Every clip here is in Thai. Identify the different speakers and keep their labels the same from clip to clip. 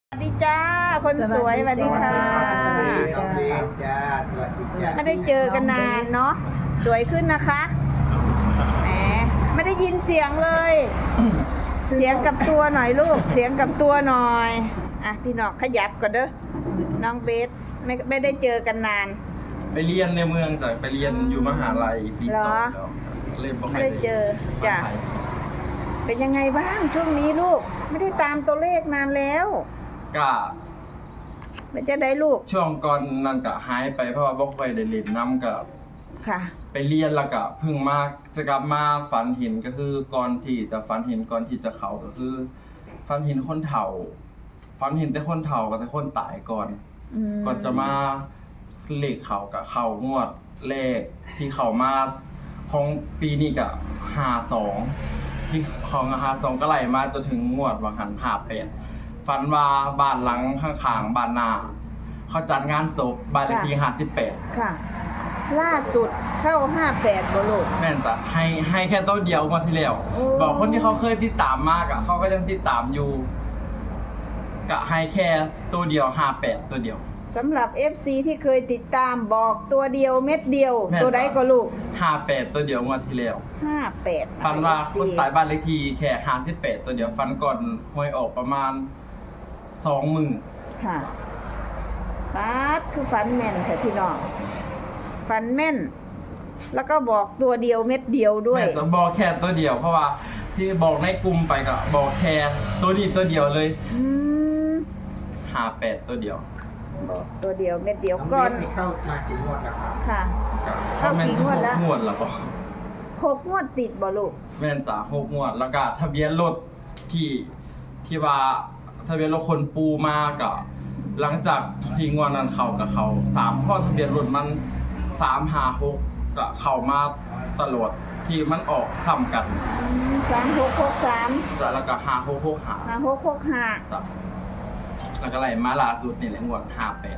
Speaker 1: สวัสดีจ้าคนสวยสวัสดีค่ะ
Speaker 2: น้องเบนจ้าสวัสดีจ้า
Speaker 1: ไม่ได้เจอกันนานเนาะสวยขึ้นนะคะแหมไม่ได้ยินเสียงเลย เสียงกับตัวหน่อยลูกเสียงกับตัวหน่อยอ่ะพี่น้องขยับก่อนเด้อน้องเบสไม่ได้เจอกันนาน
Speaker 3: ไปเรียนในเมืองจ้ะไปเรียนอยู่มหาลัยปี
Speaker 1: เหร
Speaker 3: ต่อ
Speaker 1: อ
Speaker 3: แล้วเลยบ่ค่
Speaker 1: ไม่
Speaker 3: อย
Speaker 1: ได้เจอจ้ะเป็นยังไงบ้างช่วงนี้ลูกไม่ได้ตามตัวเลขนานแล้ว
Speaker 3: ก็
Speaker 1: มันจะได้ลูก
Speaker 3: ช่วงก่อนนั้นก็หายไปเพราะว่าบ่ค่อยได้เล่นน้ำกับ
Speaker 1: ค่ะ
Speaker 3: ไปเรียนแล้วก็เพิ่งมาจะกลับมาฝันเห็นก็คือก่อนที่จะฝันเห็นก่อนที่จะเข้าก็คือฝันเห็นคนเฒ่าฝันเห็นแต่คนเฒ่ากับแต่คนตายก่อน ก่อนจะมาเลขเขากับเขางวดเลขที่เขามาของปีนี้กับ52ที่ของ52ก็ไหลมาจนถึงงวดวังหัน58ฝันว่าบ้านหลังข้างๆบ้านนาเขาจัดงานศพบ้านเลขที่58
Speaker 1: ค่ะ ล่าสุดเข้า58บ่ลูก
Speaker 3: แม่นจ้ะให้แค่ตัวเดียวงวดที่แล้ว
Speaker 1: โอ้
Speaker 3: บอกคนที่เขาเคยติดตามมากเขาก็ยังติดตามอยู่ก็ให้แค่ตัวเดียว58ตัวเดียว
Speaker 1: สำหรับ FC ที่เคยติดตามบอกตัวเดียวเม็ดเดียว
Speaker 3: แม่น
Speaker 1: ตัวใดก็ลูก
Speaker 3: 58ตัวเดียวงวดที่แล้ว
Speaker 1: 58
Speaker 3: ฟันว่าคนตายบ้านเลขที่แค่58ตัวเดียวฟันก่อนหวยออกประมาณ20,000
Speaker 1: ค่ะปาดคือฝันแม่นค่ะพี่น้องฝันแม่น แล้วก็บอกตัวเดียวเม็ดเดียวด้วย
Speaker 3: แม่จะบอกแค่ตัวเดียวเพราะว่าที่บอกในกลุ่มไปก็บอกแค่ตัวนี้ตัวเดียวเลย
Speaker 1: อืม
Speaker 3: 58ตัวเดียว
Speaker 1: บอกตัวเดียวเม็ดเดียว
Speaker 2: น้อง
Speaker 1: ก่อน
Speaker 2: เบนนี่เข้ามากี่งวดแล้วครับ
Speaker 1: ค่ะ
Speaker 3: เพราะแม่น
Speaker 1: เข้ากี่งวดแล้ว
Speaker 3: 6งวดแล้วก็
Speaker 1: 6งวดติดบ่ลูก
Speaker 3: แม่นจ้ะ6งวดแล้วก็ทะเบียนรถที่ว่าทะเบียนรถคนปูมาก็หลังจากที่งวดนั้นเข้ากับเขา3ข้อทะเบียนรถมัน356ก็เข้ามาตลอดที่มันออกซ้ำกัน
Speaker 1: 3663
Speaker 3: จ้ะแล้วก็5665
Speaker 1: 5665
Speaker 3: จ้ะแล้วก็ไล่มาล่าสุดนี่แหละงวด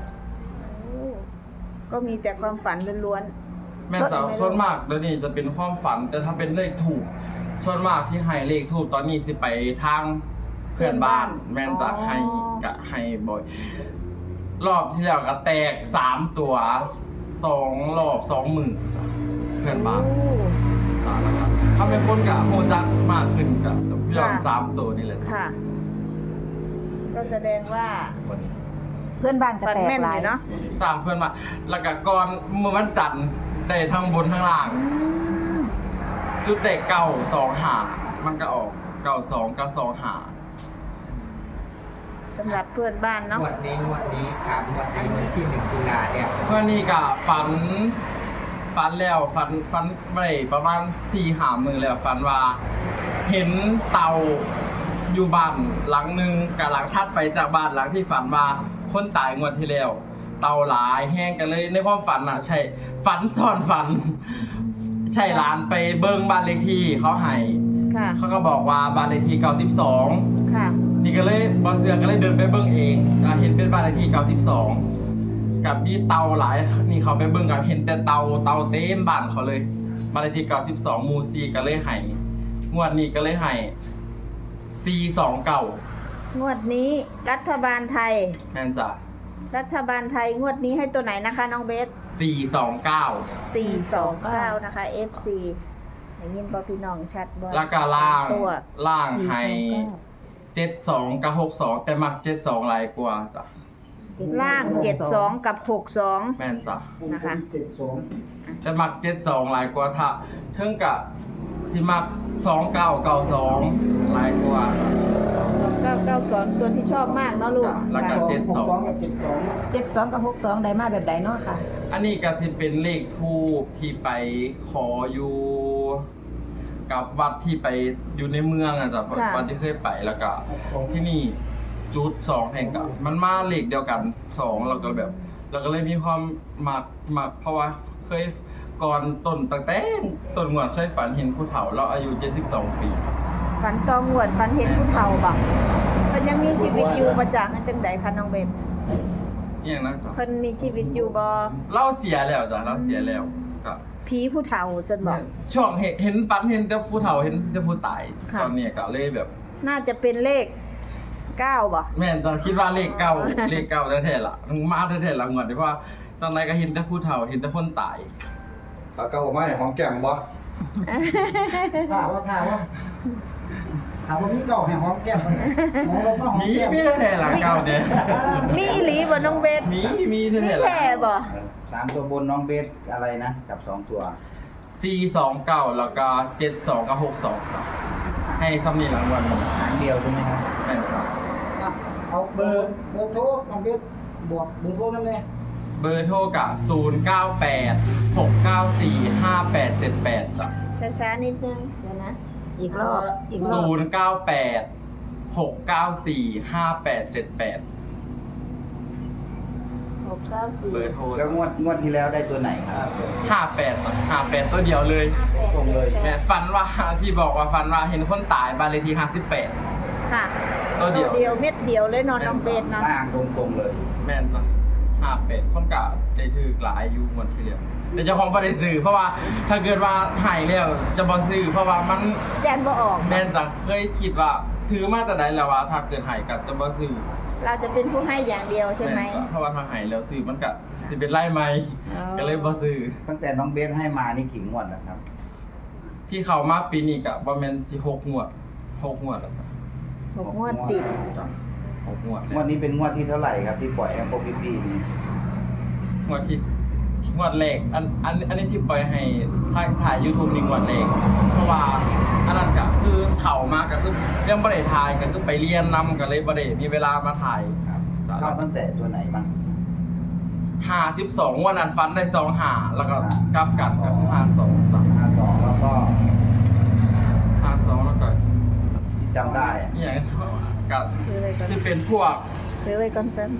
Speaker 1: ก็มีแต่ความฝันล้วน
Speaker 3: 58แม่นจ้ะส่วนมากเดี๋ยวนี้จะเป็นความฝันแต่ถ้าเป็นเลขถูกส่วนมากที่ให้เลขถูกตอนนี้สิไปทางเพื่อนบ้านแม่นจะให้กะให้บ่อย รอบที่แล้วก็แตก3ตัว2รอบ20,000จ้ะเพื่อนบ้านจ้ะแล้วก็ถ้าเป็นคนกะโหจักมากขึ้นกะยอด3ตัวนี่แหละ
Speaker 1: ๆค่ะ ก็แสดงว่า
Speaker 3: คนนี้
Speaker 4: เพื่อนบ้านก็
Speaker 1: ฝัน
Speaker 4: แตก
Speaker 1: แม่น
Speaker 4: ห
Speaker 1: เล
Speaker 4: ลาย
Speaker 1: ยเนาะ
Speaker 3: ตามเพื่อนมาแล้วก็ก่อนเมื่อวันจันทร์ได้ทั้งบนทั้งล่าง จุดเด็ก925มันก็ออก92 925
Speaker 1: สำหรับเพื่อนบ้านเนาะ
Speaker 2: งวดนี้ถามงวดนี้วันที่1 ตุลาเนี่ย
Speaker 3: เมื่อนี้ก็ฝันแล้วฝันไปประมาณ4-5 มื้อแล้วฝันว่า เห็นเต่าอยู่บ้านหลังหนึงกับหลังถัดไปจากบ้านหลังที่ฝันว่าคนตายงวดที่แล้ว เต่าหลายแห้งกันเลยในความฝันอ่ะ ใช่ฝันซ้อนฝัน ใช่ร้านไปเบิ่งบ้านเลขที่เขาให้
Speaker 1: ค่ะ
Speaker 3: เขาก็บอกว่าบ้านเลขที่92
Speaker 1: ค่ะ
Speaker 3: นี่ก็เลยบอเสือก็เลยเดินไปเบิ่งเองก็เห็นเป็นบ้านเลขที่92กับมีเตาหลายนี่เขาไปเบิ่งกันเห็นแต่เตาเต็มบ้านเขาเลยบ้านเลขที่92หมู่4ก็เลยให้งวดนี้ก็เลยให้429
Speaker 1: งวดนี้รัฐบาลไทย
Speaker 3: แม่นจ้ะ
Speaker 1: รัฐบาลไทยงวดนี้ให้ตัวไหนนะคะน้องเบส
Speaker 3: 429
Speaker 1: 429 นะคะ FC ได้ยินบ่พี่น้องชัดบ่
Speaker 3: แล้วก็ล่าง
Speaker 1: ตัว
Speaker 3: ให้72กับ62แต่มัก72หลายกว่าจ้ะ
Speaker 1: ล่าง 72 กับ 62
Speaker 3: แม่นจ้ะ
Speaker 1: นะคะ
Speaker 3: แต่มัก72หลายกว่าถ้าถึงกับสิมัก2992หลายกว่า
Speaker 1: 2992 ตัวที่ชอบมากเนาะลูก
Speaker 3: จ้ะแล้วก็
Speaker 1: ค่ะ
Speaker 2: 62กับ72
Speaker 4: 72กับ62ได้มาแบบใดเนาะค่ะ
Speaker 3: อันนี้ก็สิเป็นเลขทูปที่ไปขออยู่กับวัดที่ไปอยู่ในเมืองอ่ะจ้ะ
Speaker 1: ค่ะ
Speaker 3: วัดที่เคยไปแล้วก็ที่นี่จุด2แห่งกับมันมาเลขเดียวกัน2แล้วก็แบบแล้วก็เลยมีความมักเพราะว่าเคยก่อนต้นตั้งแต่ต้นงวดเคยฝันเห็นผู้เฒ่าเราอายุ72ปี
Speaker 1: ฝันตองหวดฝันเห็นผู้เฒ่าบ่เพิ่นยังมีชีวิตอยู่บ่จ้ะนั่นจังใดคะน้องเบส
Speaker 3: อหย่างนั้นจ้ะ
Speaker 1: เพิ่นมีชีวิตอยู่บ่
Speaker 3: เราเสียแล้วจ้ะเราเสียแล้วก็
Speaker 1: ผีผู้เฒ่าซั่นบ่
Speaker 3: ช่วงเห็นฝันเห็นแต่ผู้เฒ่าเห็นแต่ผู้ตาย
Speaker 1: ค่ะ
Speaker 3: ตอนเนี้ยก็เลยแบบ
Speaker 1: น่าจะเป็นเลข 9บ่
Speaker 3: แม่นจะคิดว่าเลขเก้าเลขเก้าแท้ๆล่ะมันมาแท้ๆล่ะงวดที่ว่าตอนไหนก็เห็นแต่ผู้เฒ่าเห็นแต่คนตาย
Speaker 5: เอาเก้ามาให้หอมแก้มบ่
Speaker 2: ถามว่าพี่เก่าแห่งหอมแก้มมันหมอเรามาหอม
Speaker 3: มี
Speaker 2: แก้ม
Speaker 3: มีแท้ๆล่ะเก้าเนี่ย
Speaker 1: มีอีหลีบ่น้องเบส
Speaker 3: มี
Speaker 1: มี
Speaker 3: แท้ๆ
Speaker 1: แท้
Speaker 3: ล่ะ
Speaker 1: บ่
Speaker 5: 3ตัวบนน้องเบสอะไรนะกับ2ตัว
Speaker 3: 429แล้วก็72กับ62ครับให้ซ้ำนี่รางวัลนี้
Speaker 5: หางเดียวใช่ไหมครับ
Speaker 3: แม่นครับ
Speaker 2: เอาเบอร์โทรน้องเบสบอกเบอร์โทรนั่นเลย
Speaker 3: เบอร์โทรกับ098 694 5878จ้ะ
Speaker 1: ช้าๆนิดนึงเดี๋ยวนะ
Speaker 4: อีกรอบอีกรอบ
Speaker 3: 098 694 5878
Speaker 1: 694
Speaker 3: เบอร์โทร
Speaker 5: แล้วงวดที่แล้วได้ตัวไหนครับ
Speaker 3: 58ตัวเดียวเลย
Speaker 5: ตรงเลย
Speaker 3: แม่ฝันว่าที่บอกว่าฝันว่าเห็นคนตายบ้านเลขที่58
Speaker 1: ค่ะ
Speaker 3: ตัวเดียว
Speaker 1: เม็ดเดียวเลยเนอนน้องเบสเนาะ
Speaker 5: ล่างตรงเลย
Speaker 3: แม่นจ้ะ58คนกะได้ถือหลายอยู่หมดทีเดียวแต่เจ้าของบ่ได้ซื้อเพราะว่าถ้าเกิดว่าหายแล้วจะบ่ซื้อเพราะว่ามัน
Speaker 1: ยันบ่ออก
Speaker 3: แม่นจะเคยคิดว่าถือมาแต่ใดแล้วว่าถ้าเกิดหายก็จะบ่ซื้อ
Speaker 1: เราจะเป็นผู้ให้อย่างเดียวใช่ไหม
Speaker 3: แนจ้ะเพราะว่าถ้าหายแล้วซื้อมันก็สิเป็นไล่ไหม
Speaker 1: อ๋อ
Speaker 3: ก็เลยบ่ซื้อ
Speaker 5: ตั้งแต่น้องเบสให้มานี่กี่งวดแล้วครับ
Speaker 3: ที่เขามาปีนี้ก็บ่แม่นที่6งวด6งวดแล้วจ้ะ
Speaker 1: 6 งวดติด
Speaker 3: จ้ะ6งวด
Speaker 5: งวดนี้เป็นงวดที่เท่าไหร่ครับที่ปล่อยให้พวกพี่ๆนี่
Speaker 3: งวดที่งวดแรกอันนี้ที่ปล่อยให้ถ่าย YouTube นี่งวดแรกเพราะว่าอันนั้นก็คือเข้ามาก็คือยังบ่ได้ถ่ายก็คือไปเรียนนำก็เลยบ่ได้มีเวลามาถ่าย
Speaker 5: ครับเข้าตั้งแต่ตัวไหนบ้าง
Speaker 3: 52วันนั้นฟันได้25แล้วก็กลับกันกับ52จ้ะ
Speaker 5: 52แล้วก็
Speaker 3: 52แล้วก็
Speaker 5: ที่จำได้อะ
Speaker 3: อหย่างกับ
Speaker 1: ถือไว้ก่อน
Speaker 3: ที่เป็นพวก
Speaker 1: ถือไว้ก่อนแป๊บ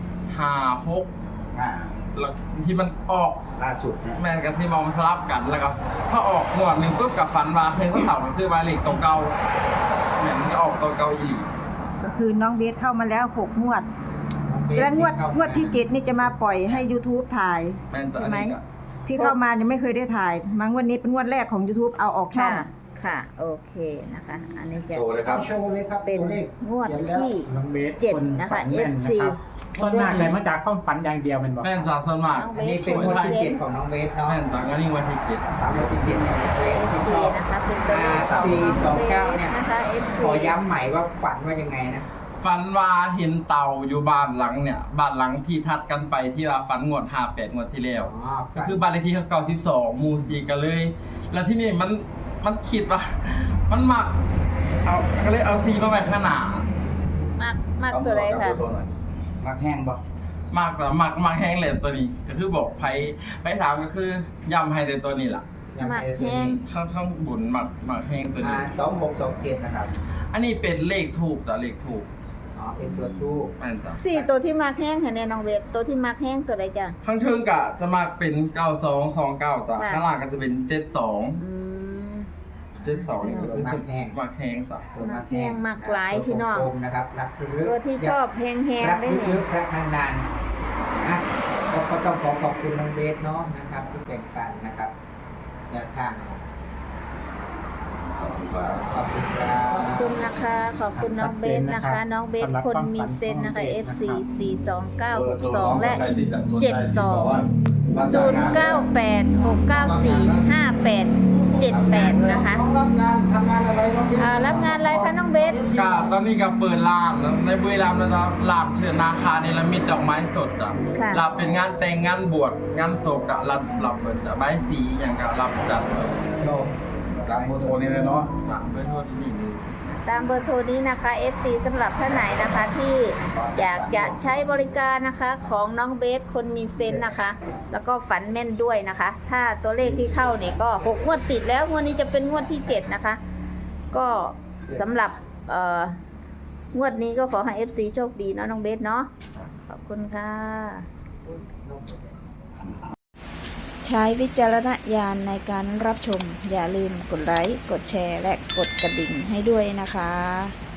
Speaker 3: 56
Speaker 5: อ่า
Speaker 3: แล้วที่มันออก
Speaker 5: ล่าสุดเนี่ย
Speaker 3: แม่นกับที่มองสลับกันแล้วก็ถ้าออกงวดหนึงปุ๊บกับฟันว่าเพลงผู้เฒ่ามันคือหมายเลขตัวเก่าแม่นมันก็ออกตัวเก่าอีหลี
Speaker 4: ก็คือน้องเบสเข้ามาแล้ว6 งวด และงวดที่ 7 นี่จะมาปล่อยให้ YouTube ถ่าย
Speaker 3: แม่นจะ
Speaker 4: ใช่
Speaker 3: อัน
Speaker 4: ไหม
Speaker 3: นี้ก็
Speaker 4: ที่เข้ามายังไม่เคยได้ถ่าย มางวดนี้เป็นงวดแรกของ YouTube เอาออกช่อ
Speaker 1: ค่ะ
Speaker 4: ง
Speaker 1: ค่ะ โอเคนะคะ อันนี้จะ
Speaker 5: โชว์เลยครับ
Speaker 2: โชว์เลยครับ
Speaker 1: เป็น
Speaker 2: ตัวเลข
Speaker 1: งวดที่
Speaker 6: น้องเบส
Speaker 1: 7 นะคะ
Speaker 6: แม่น
Speaker 1: FC
Speaker 6: นะครับส่วนมากเลยมาจากความฝันอย่างเดียวเป็นบอก
Speaker 3: แม่นจะส่วนมาก
Speaker 1: น้อง
Speaker 2: อันนี้เป็นงวดที่7ของน้องเบสเนาะ
Speaker 3: แม่นจะก็นี่วันที่7
Speaker 2: ตามงวดที่7เนี่ยเบสที่
Speaker 1: FC
Speaker 2: ชอบ
Speaker 1: นะคะเป็นตัวเลขของน้องเบสนะคะ FC
Speaker 2: ขอย้ำใหม่ว่าฝันว่ายังไงนะ
Speaker 3: ฟันว่าเห็นเต่าอยู่บ้านหลังเนี่ยบ้านหลังที่ทัดกันไปที่ว่าฟันงวด58งวดที่แล้ว ก็คือบ้านเลขที่เขา92หมู่4กันเลย แล้วที่นี่มันคิดว่า มันมักเอาก็เลยเอาซีมาไว้ข้างหน้าม
Speaker 1: ากตัวใดค่ะ
Speaker 5: มักแห้งปะ
Speaker 3: มากแต่มักแห้งเลยตัวนี้ ก็คือบอกไปถามก็คือยำให้เลยตัวนี้ล่ะ
Speaker 1: หมักแห้ง
Speaker 3: ข้างบุญมักแห้งตัวนี้
Speaker 2: 2627นะครับ
Speaker 3: อันนี้เป็นเลขถูกจ้ะเลขถูก
Speaker 2: อ๋อเป็นตัวทูบ
Speaker 3: แม่นจ้ะ
Speaker 1: 4 ตัวที่มากแห้งค่ะเนี่ยน้องเบสตัวที่มากแห้งตัวใดจ้ะ
Speaker 3: ข้างเทิงกะจะมักเป็น9229จ้ะ
Speaker 1: ค่ะ
Speaker 3: ข้างล่างก็จะเป็น72
Speaker 1: อืม
Speaker 3: 72นี่ก็คือมักแห้งจ้ะ
Speaker 2: ตัว
Speaker 1: มักแห้งมักหลายพี่น้อง
Speaker 2: ตัวกลมๆนะครับรักลึก
Speaker 1: ตัวที่ชอบแห้ง
Speaker 2: รัก
Speaker 1: ๆได้
Speaker 2: ลึ
Speaker 1: เนี่ย
Speaker 2: กๆรักนานๆนะก็ต้องขอบคุณน้องเบสเนาะนะครับที่แบ่งปันนะครับแนวทางขอบคุณครับ
Speaker 1: ขอบคุณนะคะ ขอบคุณน้องเบสนะคะ น้องเบสคนมีเซนนะคะ FC 42962 และ 0986945878 นะคะ
Speaker 2: รับงานทำงานอะไรน้องเบส
Speaker 1: รับงานอะไรคะน้องเบส
Speaker 3: ก็ตอนนี้ก็เปิดร้านแล้วในบุรีรัมย์นะจ๊ะร้านเชิญนาคาเนรมิตดอกไม้สดอ่ะ
Speaker 1: ค่ะ
Speaker 3: รับเป็นงานแต่งงานบวชงานศพกะรับเปิดอะใบายสีอย่างกะรับจัด
Speaker 2: โชว์
Speaker 5: ตามโมโทนี่เลยเนาะ
Speaker 3: ตามด้วยโทษที่นี่เลย
Speaker 1: ตามเบอร์โทรนี้นะคะ FC สำหรับท่านไหนนะคะที่อยากจะใช้บริการนะคะของน้องเบสคนมีเซนส์นะคะ แล้วก็ฝันแม่นด้วยนะคะ ถ้าตัวเลขที่เข้าเนี่ยก็6 งวดติดแล้วงวดนี้จะเป็นงวดที่ 7 นะคะ ก็สำหรับงวดนี้ก็ขอให้ FC โชคดีเนาะน้องเบสเนาะขอบคุณค่ะ ใช้วิจารณญาณในการรับชม อย่าลืมกดไลค์ กดแชร์ และกดกระดิ่งให้ด้วยนะคะ